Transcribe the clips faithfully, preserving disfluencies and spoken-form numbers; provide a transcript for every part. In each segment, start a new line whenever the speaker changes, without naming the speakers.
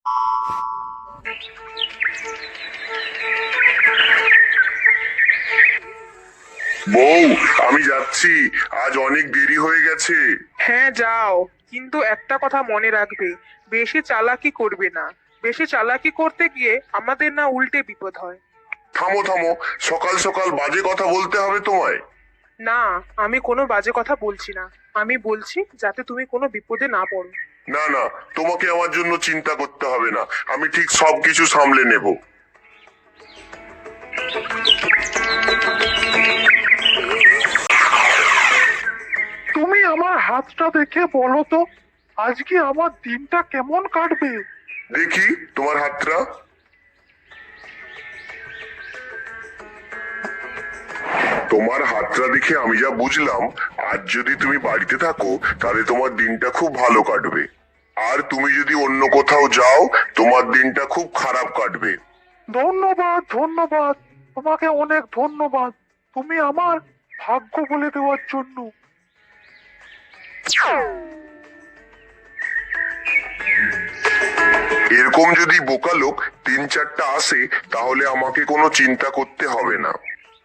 বউ, আমি যাচ্ছি, আজ অনেক দেরি হয়ে গেছে।
হ্যাঁ যাও, কিন্তু একটা কথা মনে রাখবে, বেশি চালাকি করবে না। বেশি চালাকি করতে গিয়ে আমাদের না উল্টে বিপদ হয়।
থামো থামো, সকাল সকাল বাজে কথা বলতে হবে তোমায়?
না, আমি কোনো বাজে কথা বলছি না। আমি বলছি যাতে তুমি কোনো বিপদে না পড়ো।
না না, তোমাকে আমার জন্য চিন্তা করতে হবে না, আমি ঠিক সবকিছু সামলে নেব।
তুমি আমার হাতটা দেখে বলো তো, আজকে আমার দিনটা কেমন কাটবে?
দেখি তোমার হাতটা। তোমার হাতটা দেখে আমি যা বুঝলাম, আজ যদি তুমি বাড়িতে থাকো তাহলে তোমার দিনটা খুব ভালো কাটবে, আর তুমি যদি অন্য কোথাও যাও তোমার দিনটা খুব খারাপ কাটবে।
ধন্যবাদ ধন্যবাদ, তোমাকে অনেক ধন্যবাদ, তুমি আমার ভাগ্য বলে দেওয়ার জন্য।
এরকম যদি বোকা লোক তিন চারটা আসে তাহলে আমাকে কোনো চিন্তা করতে হবে না।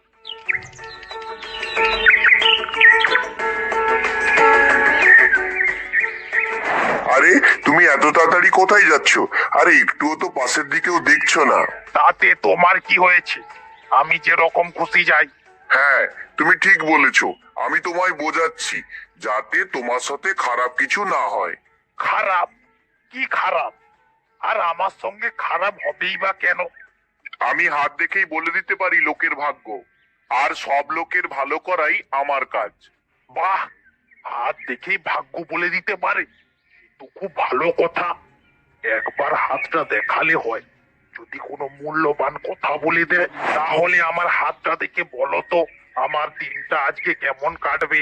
আরে তুমি এত তাড়াতাড়ি কোথায় যাচ্ছ? আরে একটুও তো পাশের দিকেও দেখছো না।
তাতে তোমার কি হয়েছে? আমি যেরকম খুশি যাই।
হ্যাঁ, তুমি ঠিক বলেছো, আমি তোমায় বোঝাচ্ছি যাতে তোমার সাথে খারাপ কিছু না হয়।
খারাপ? কি খারাপ? আর আমার সঙ্গে খারাপ হবেই বা কেন?
আমি হাত দেখেই বলে দিতে পারি লোকের ভাগ্য, আর সব লোকের ভালো করাই আমার কাজ।
বাহ, হাত দেখেই ভাগ্য বলে দিতে পারে, তো খুব ভালো কথা। একবার হাতটা দেখালে হয়, যদি কোনো মূল্যবান কথা বলে দেয় তাহলে আমার হাতটা দেখে বলো তো আমার দিনটা আজকে কেমন কাটবে।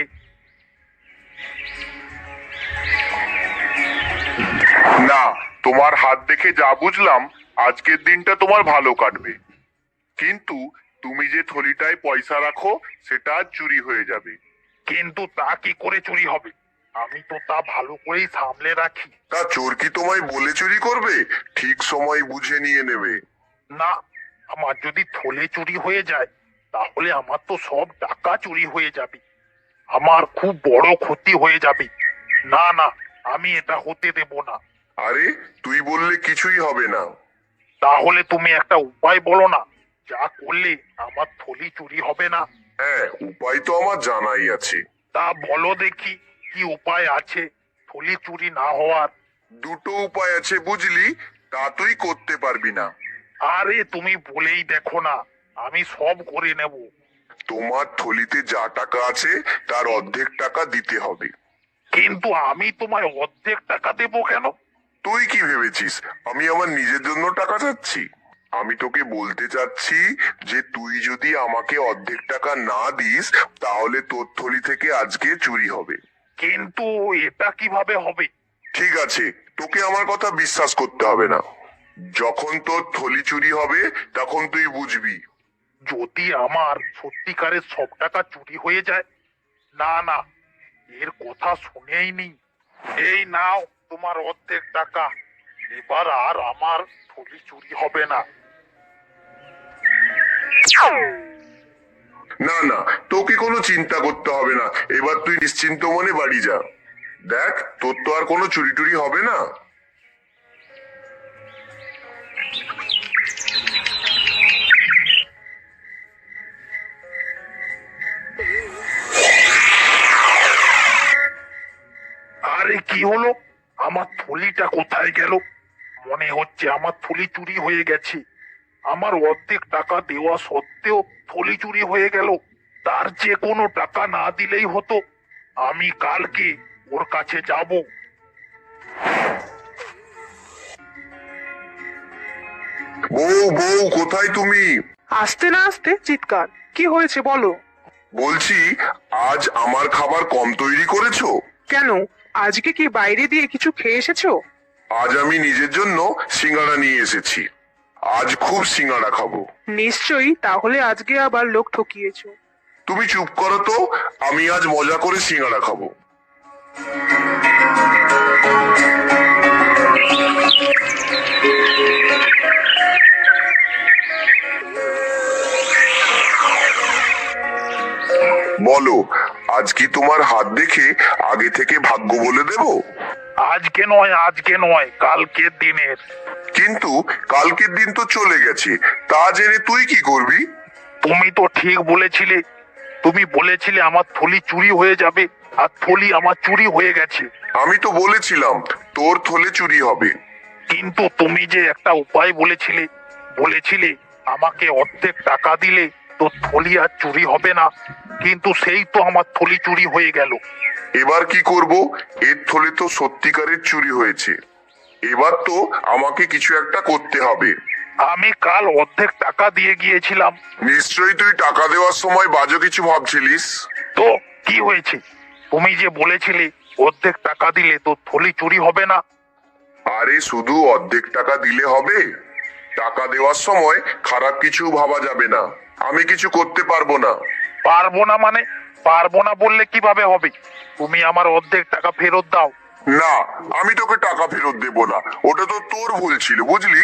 না, তোমার হাত দেখে যা বুঝলাম আজকের দিনটা তোমার ভালো কাটবে, কিন্তু তুমি যে থলিটায় পয়সা রাখো সেটা আজ চুরি হয়ে যাবে।
কিন্তু তা কি করে চুরি হবে? আমি তো তা ভালো করেই সামলে রাখি।
তা চোর কি তোমায় বলে চুরি করবে? ঠিক সময় বুঝে নিয়ে নেবে।
না, আমার যদি থলে চুরি হয়ে যায় তাহলে আমার তো সব টাকা চুরি হয়ে যাবে, আমার খুব বড় ক্ষতি হয়ে যাবে। না না, আমি এটা হতে দেব না।
আরে তুই বললে কিছুই হবে না।
তাহলে তুমি একটা উপায় বলো না, যা করলে আমার থলি চুরি হবে না।
হ্যাঁ, উপায় তো আমার জানাই আছে।
তা বলো দেখি, কি উপায় আছে থলি চুরি না হওয়ার?
দুটো উপায় আছে বুঝলি, তা তুই করতে পারবি না।
আরে তুমি বলেই দেখো না, আমি সব করে নেব।
তোমার থলিতে যা টাকা আছে তার অর্ধেক টাকা দিতে হবে।
কিন্তু আমি তোমায় অর্ধেক টাকা দেবো কেন?
তুই কি ভেবেছিস আমি আমার নিজের জন্য টাকা চাচ্ছি? আমি তোকে বলতে চাচ্ছি যে তুই যদি আমাকে অর্ধেক টাকা না দিস তাহলে তোর থলি থেকে আজকে চুরি হবে।
কিন্তু এটা কিভাবে হবে?
ঠিক আছে, তোকে আমার কথা বিশ্বাস করতে হবে না, যখন তোর থলি চুরি হবে তখন তুই বুঝবি।
যদি আমার সত্যিকারের সব টাকা চুরি হয়ে যায়? না না, এর কথা শুনেই নি। এই নাও তোমার অর্ধেক টাকা, এবার আর আমার থলি চুরি হবে না।
না না, তোকে কোনো চিন্তা করতে হবে না, এবার তুই নিশ্চিন্ত মনে বাড়ি যা। দেখ, তোর তো আর কোনো চুরি টুরি হবে না।
আরে কি হলো? আমার থলিটা কোথায় গেল? মনে হচ্ছে আমার থলি চুরি হয়ে গেছে। আমার অর্ধেক টাকা দেওয়া সত্ত্বেও থলি চুরি হয়ে গেল। তার যে কোনো টাকা না দিলেই হতো, আমি কালকে ওর কাছে যাব।
বউ বউ, কোথায় তুমি?
আসতে না আসতে চিৎকার, কি হয়েছে বলো।
বলছি, আজ আমার খাবার কম তৈরি করেছো?
কেন, আজকে কি বাইরে দিয়ে কিছু খেয়ে এসেছো?
আজ আমি নিজের জন্য সিঙ্গাড়া নিয়ে এসেছি, আজ খুব সিঙ্গাড়া খাবো।
নিশ্চয়ই, তাহলে আজকে আবার লোক ঠকিয়েছো।
তুমি চুপ করো তো, আমি আজ মজা করে সিঙ্গাড়া খাবো। আজ কি তোমার হাত দেখে আগে থেকে ভাগ্য বলে দেব?
আজকে নয় আজকে নয় কালকের দিনের।
কিন্তু কালকের দিন তো চলে গেছে, তা জেনে তুই কি করবি?
তুমি তো ঠিক বলেছিলে, তুমি বলেছিলে আমার থলি চুরি হয়ে যাবে, আর থলি আমার চুরি হয়ে গেছে।
আমি তো বলেছিলাম তোর থলে চুরি হবে।
কিন্তু তুমি যে একটা উপায় বলেছিলে, বলেছিলে আমাকে অর্ধেক টাকা দিলে তো থলি আর চুরি হবে না, কিন্তু সেই তো আমার থলি চুরি হয়ে গেল।
এবার কি করব? এর থলে তো সত্যিকারের চুরি হয়েছে। এবার তো আমাকে কিছু একটা করতে হবে।
আমি কাল অর্ধেক টাকা দিয়ে গিয়েছিলাম।
নিশ্চয়ই তুই টাকা দেওয়ার সময় বাজে কিছু ভাবছিলিস।
তো কি হয়েছে? তুমি যে বলেছিলে অর্ধেক টাকা দিলে তো থলি চুরি হবে না।
আরে শুধু অর্ধেক টাকা দিলে হবে? টাকা দেওয়ার সময় খারাপ কিছু ভাবা যাবে না। আমি কিছু করতে পারবো না।
পারবো না মানে? পারবো না বললে কিভাবে হবে? তুমি আমার অর্ধেক টাকা ফেরত দাও।
না, আমি তোকে টাকা ফেরত দেব না। ওটা তো তোর ভুল ছিল, বুঝলি?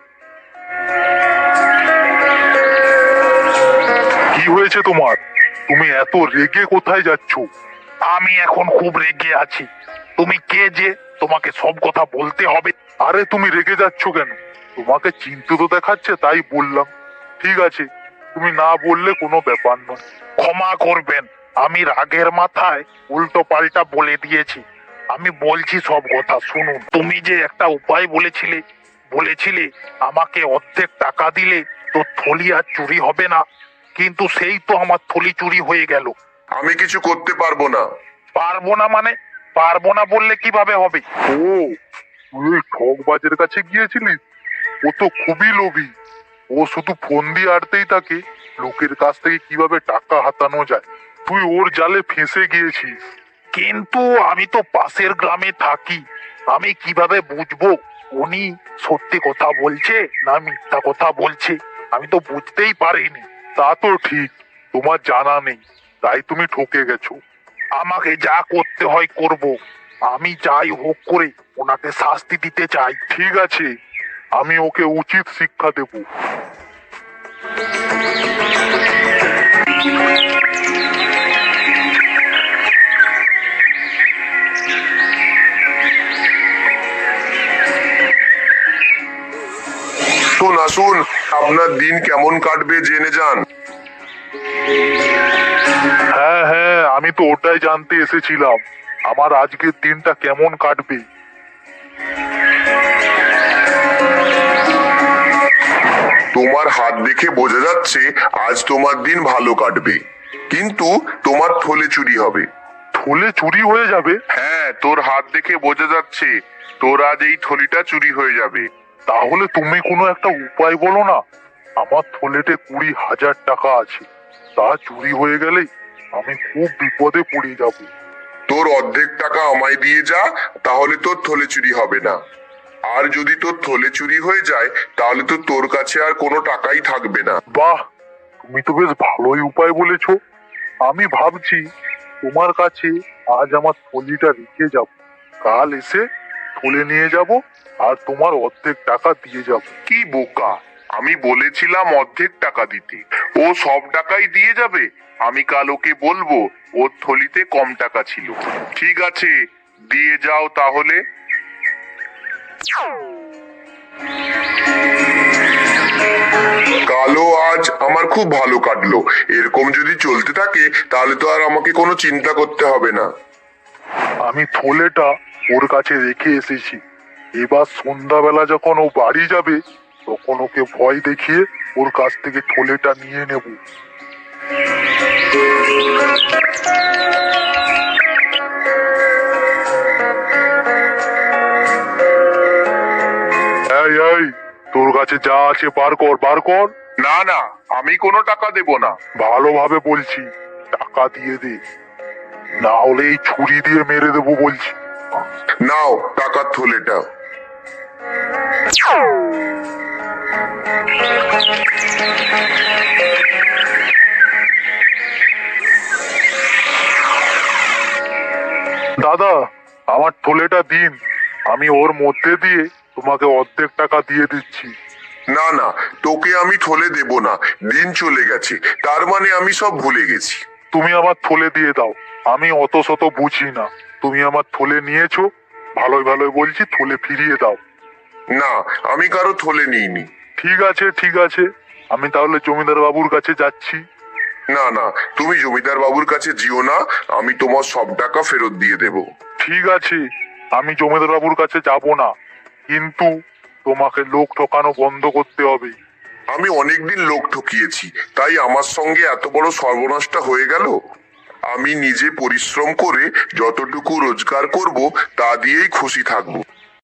কি হয়েছে তোমার? তুমি এত রেগে কোথায় যাচ্ছ? আমি এখন খুব রেগে আছি। তুমি কে যে তোমাকে সব কথা বলতে হবে? আরে তুমি রেগে যাচ্ছ কেন? তোমাকে চিন্তিত দেখাচ্ছে তাই বললাম। ঠিক আছে, তুমি না বললে কোনো ব্যাপার নয়। ক্ষমা করবেন, আমি রাগের মাথায় উল্টো পাল্টা বলে দিয়েছি। আমি বলছি সব কথা শুনুন। তুমি যে একটা উপায় বলেছিলে, বলেছিলে আমাকে অর্ধেক টাকা দিলে তো থলি আর চুরি হবে না, কিন্তু সেই তো আমার থলি চুরি হয়ে গেল।
আমি কিছু করতে পারবো না।
পারবো না মানে? পারবো না বললে কিভাবে হবে? ও, তুই ঠকবাজের কাছে গিয়েছিলিস? ও তো খুবই লোভী। ও শুধু ফোন দিয়ে আড়তেই থাকে লোকের কাছ থেকে কিভাবে টাকা হাতানো যায়। তুই ওর জালে ফেঁসে গিয়েছিস। কিন্তু আমি তো পাশের গ্রামে থাকি, আমি কিভাবে বুঝবো উনি সত্যি কথা বলছে না মিথ্যা কথা বলছে? আমি তো বুঝতেই পারিনি। তা তো ঠিক, তোমার জানা নেই, তাই তুমি ঠকে গেছো। আমাকে যা করতে হয় করব। আমি যাই হোক করে ওনাকে শাস্তি দিতে চাই। ঠিক আছে, আমি ওকে উচিত শিক্ষা দেব।
শুন আসুন, আপনার দিন কেমন কাটবে জেনে যান।
হ্যাঁ হ্যাঁ, আমি তো ওটাই জানতে এসেছিলাম, আমার আজকের দিনটা কেমন কাটবে।
তোমার হাত দেখে বোঝা যাচ্ছে আজ তোমার দিন ভালো কাটবে, কিন্তু তোমার থলে চুরি হবে।
থলে চুরি হয়ে যাবে?
হ্যাঁ, তোর হাত দেখে বোঝা যাচ্ছে তোর আজ এই থলিটা চুরি হয়ে যাবে।
তাহলে তুমি কোনো একটা উপায় বলো না। আমার থলেতে কুড়ি হাজার টাকা আছে, তা চুরি হয়ে গেলে আমি খুব বিপদে পড়ে যাব।
তোর অর্ধেক টাকা আমায় দিয়ে যা, তাহলে তোর থলে চুরি হবে না। আর যদি তোর থলে চুরি হয়ে যায় তাহলে তো তোর কাছে আর কোনো টাকাই থাকবে না।
বাহ, তুমি তো বেশ ভালোই উপায় বলেছো। আমি ভাবছি তোমার কাছে আজ আমার থলিটা রেখে যাব, কাল এসে থলে নিয়ে যাব আর তোমার অর্ধেক টাকা দিয়ে যাব।
কি বোকা, আমি বলেছিলাম অর্ধেক টাকা দিতে, ও সব টাকাই দিয়ে যাবে। আমি কাল ওকে বলবো ওর থলিতে কম টাকা ছিল। ঠিক আছে, দিয়ে যাও তাহলে। কালো আজ আমার খুব ভালো কাটলো। এরকম যদি চলতে থাকে তাহলে তো আর আমাকে কোনো চিন্তা করতে হবে না।
আমি থলেটা ওর কাছে রেখে এসেছি। এবার সন্ধ্যাবেলা যখন ও বাড়ি যাবে তখন ওকে ভয় দেখিয়ে ওর কাছ থেকে থলেটা নিয়ে নেব। এই এই, তোর কাছে যা আছে বার কর, বার কর।
না না, আমি কোনো টাকা দেব না।
ভালোভাবে বলছি, টাকা দিয়ে দে, না হলে এই ছুরি দিয়ে মেরে দেবো বলছি।
নাও টাকার থলেটা।
দাদা, আমার থলেটা দিন, আমি ওর মধ্যে দিয়ে তোমাকে অর্ধেক টাকা দিয়ে দিচ্ছি।
না না, তোকে আমি থলে দেব না। দিন চলে গেছে, তার মানে আমি সব ভুলে গেছি।
তুমি আমার থলে দিয়ে দাও, আমি অত শত বুঝি না, তুমি আমার থলে নিয়েছো, ভালোই ভালোই বলছি থলে ফিরিয়ে দাও।
না, আমি কারো থলে নিইনি।
ঠিক আছে ঠিক আছে, আমি তাহলে জমিদার বাবুর কাছে যাচ্ছি।
না না, তুমি জমিদার বাবুর কাছে যেও না, আমি তোমার সব টাকা ফেরত দিয়ে দেব।
ঠিক আছে, আমি জমিদার বাবুর কাছে যাব না, কিন্তু তোমাকে লোক ঠকানো বন্ধ করতে হবে।
আমি অনেকদিন লোক ঠকিয়েছি, তাই আমার সঙ্গে এত বড় সর্বনাশটা হয়ে গেল। আমি নিজে পরিশ্রম করে যতটুকু রোজগার করব তা দিয়েই খুশি থাকবো।